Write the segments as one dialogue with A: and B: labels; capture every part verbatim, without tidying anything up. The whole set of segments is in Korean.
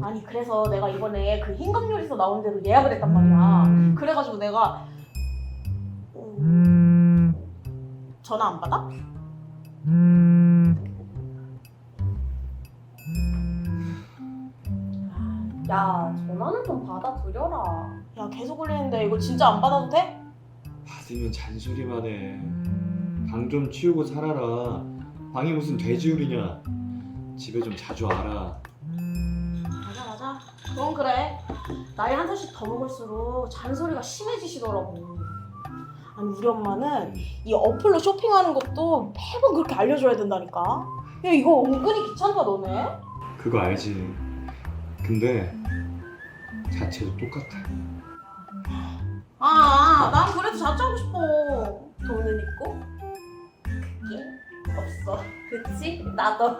A: 아니 그래서 내가 이번에 그 흰감요리서 나온 대로 예약을 했단 말이야. 그래가지고 내가 음... 전화 안 받아?
B: 야, 전화는 좀 받아들여라.
A: 야 계속 울리는데 이거 진짜 안 받아도 돼?
C: 받으면 잔소리만 해. 방 좀 치우고 살아라. 방이 무슨 돼지우리냐. 집에 좀 자주 와라.
A: 맞아 맞아. 그건 그래. 나이 한 살씩 더 먹을수록 잔소리가 심해지시더라고. 아니 우리 엄마는 이 어플로 쇼핑하는 것도 매번 그렇게 알려줘야 된다니까. 야 이거 은근히 귀찮다 너네.
C: 그거 알지. 근데 자체도 똑같아.
A: 아, 난 그래도 자취하고 싶어. 돈은 있고 그게 없어.
B: 그치? 나도.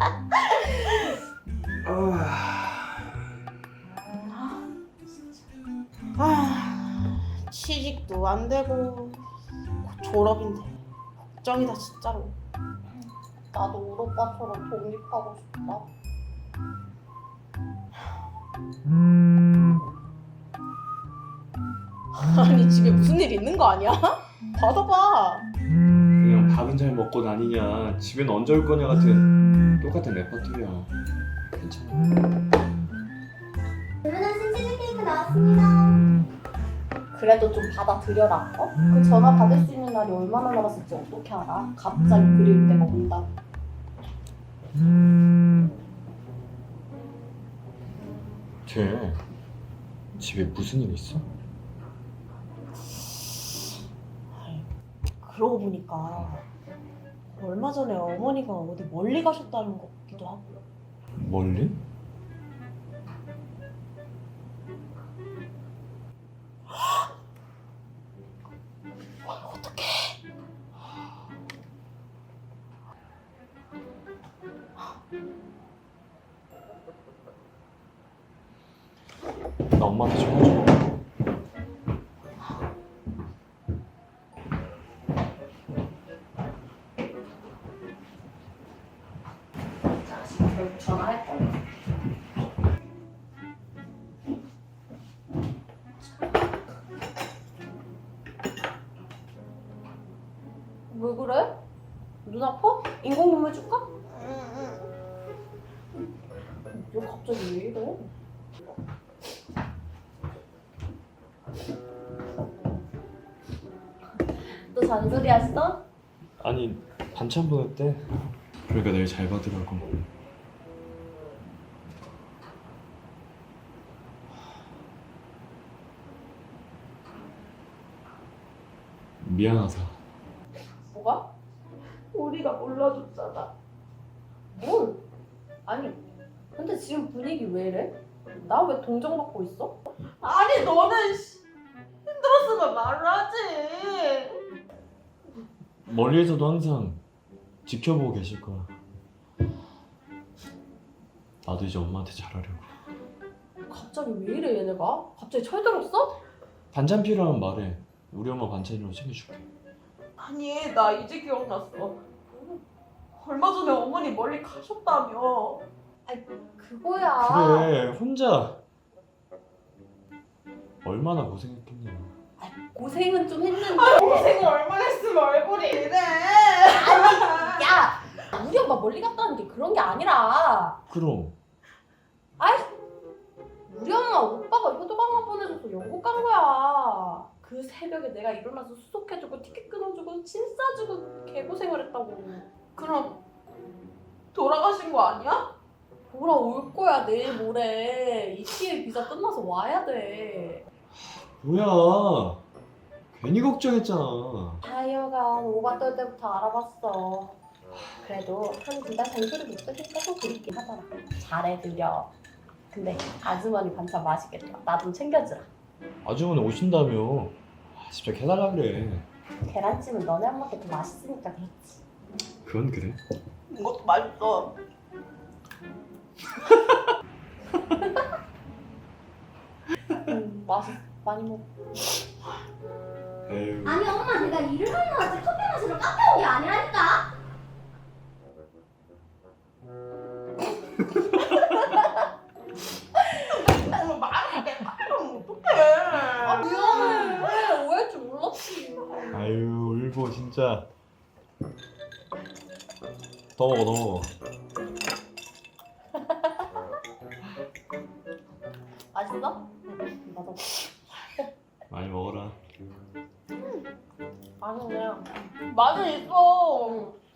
A: 아, 취직도 안 되고 곧 졸업인데 걱정이다 진짜로.
B: 나도 우리 오빠처럼 독립하고 싶다.
A: 아니 집에 무슨 일 있는 거 아니야? 받아봐.
C: 그냥 밥은 잘 먹고 다니냐, 집엔 언제 올 거냐 같은 똑같은 레퍼토리야. 괜찮아.
D: 주문한 신치즈 케이크 나왔습니다.
B: 그래도 좀 받아들여라. 어? 그 전화 받을 수 있는 날이 얼마나 남았을지 어떻게 알아? 갑자기 그리울 때가 온다.
C: 쟤 집에 무슨 일 있어?
A: 그러고 보니까 얼마 전에 어머니가 어디 멀리 가셨다는 것 같기도 하고.
C: 멀리?
A: 어떡해.
C: 나 엄마한테 전화 줘.
B: 자식 결국 전화할 거야. 왜 그래? 눈 아파? 인공눈물 줄까? 너 갑자기 왜 이래? 또 잔소리 했어?
C: 아니 반찬 보냈대. 그러니까 내일 잘 받으라고. 미안하다.
B: 뭐가?
A: 우리가 몰라줬잖아.
B: 뭘? 아니, 근데 지금 분위기 왜 이래? 나 왜 동정받고 있어?
A: 아니 너는 씨, 힘들었으면 말을 하지.
C: 멀리에서도 항상 지켜보고 계실 거야. 나도 이제 엄마한테 잘하려고.
B: 갑자기 왜 이래 얘네가? 갑자기 철들었어?
C: 반찬 필요하면 말해. 우리 엄마 반찬이라고 챙겨줄게.
A: 아니 나 이제 기억났어. 얼마 전에 어머니 멀리 가셨다며.
B: 그거야.
C: 그래 혼자 얼마나 고생했겠냐.
B: 고생은 좀 했는데.
A: 고생을 얼마나 했으면 얼굴이 이래.
B: 야! 우리 엄마 멀리 갔다는 게 그런 게 아니라
C: 그럼
B: 우리 엄마 오빠가 효도강만 보내줘서 영국 간 거야. 그 새벽에 내가 일어나서 수속해주고 티켓 끊어주고 침 싸주고 개고생을 했다고.
A: 그럼 돌아가신 거 아니야?
B: 돌아올 거야 내일 모레. 이티엘 비자 끝나서 와야 돼.
C: 뭐야 괜히 걱정했잖아.
B: 하여간 오바 떨 때부터 알아봤어. 그래도 한 두 달 잔소리 못 들으니까 좀 그립긴 하더라. 잘해드려. 근데 아주머니 반찬 맛있겠다. 나 좀 챙겨주라.
C: 아주머니 오신다며. 아, 진짜 해달라 그래.
B: 계란찜은 너네 엄마께 더 맛있으니까 그렇지.
C: 그건 그래.
A: 이것도 맛있어.
B: 음, 맛있어. 많이 먹어.
C: 에휴.
D: 아니 엄마 내가 일을 하러 왔지 커피 마시러 카페 온 게 아니라니까.
C: 아유 울보 진짜. 더 먹어 더 먹어.
B: 맛있어? 응, 맞아.
C: 많이 먹어라.
B: 맛있네.
A: 맛은 있어.
B: 응.